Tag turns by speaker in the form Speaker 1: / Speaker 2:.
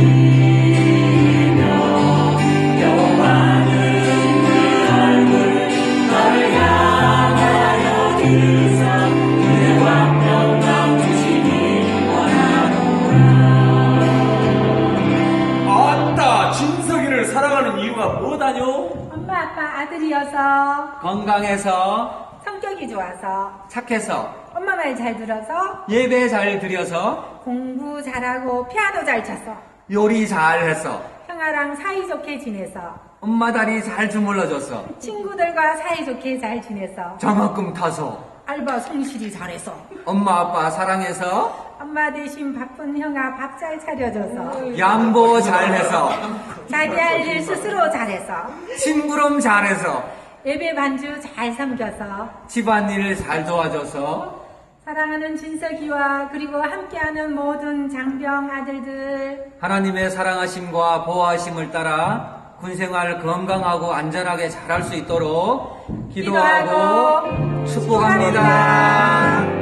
Speaker 1: 아따, 진석이를 사랑하는 이유가 뭐다뇨?
Speaker 2: 엄마 아빠 아들이어서,
Speaker 3: 건강해서,
Speaker 2: 성격이 좋아서,
Speaker 3: 착해서,
Speaker 2: 엄마 말 잘 들어서,
Speaker 3: 예배 잘 드려서,
Speaker 2: 공부 잘하고 피아노 잘 쳐서,
Speaker 3: 요리 잘해서,
Speaker 2: 형아랑 사이좋게 지내서,
Speaker 3: 엄마 다리 잘 주물러줘서,
Speaker 2: 친구들과 사이좋게 잘 지내서,
Speaker 3: 장학금 타서,
Speaker 2: 알바 성실히 잘해서,
Speaker 3: 엄마 아빠 사랑해서,
Speaker 2: 엄마 대신 바쁜 형아 밥 잘 차려줘서,
Speaker 3: 양보 잘해서,
Speaker 2: 자기 할 일 스스로 잘해서,
Speaker 3: 심부름 잘해서,
Speaker 2: 예배 반주 잘 섬겨서,
Speaker 3: 집안일 잘 도와줘서,
Speaker 2: 사랑하는 진석이와 그리고 함께하는 모든 장병 아들들,
Speaker 3: 하나님의 사랑하심과 보호하심을 따라 군생활 건강하고 안전하게 잘할 수 있도록 기도하고 축복합니다.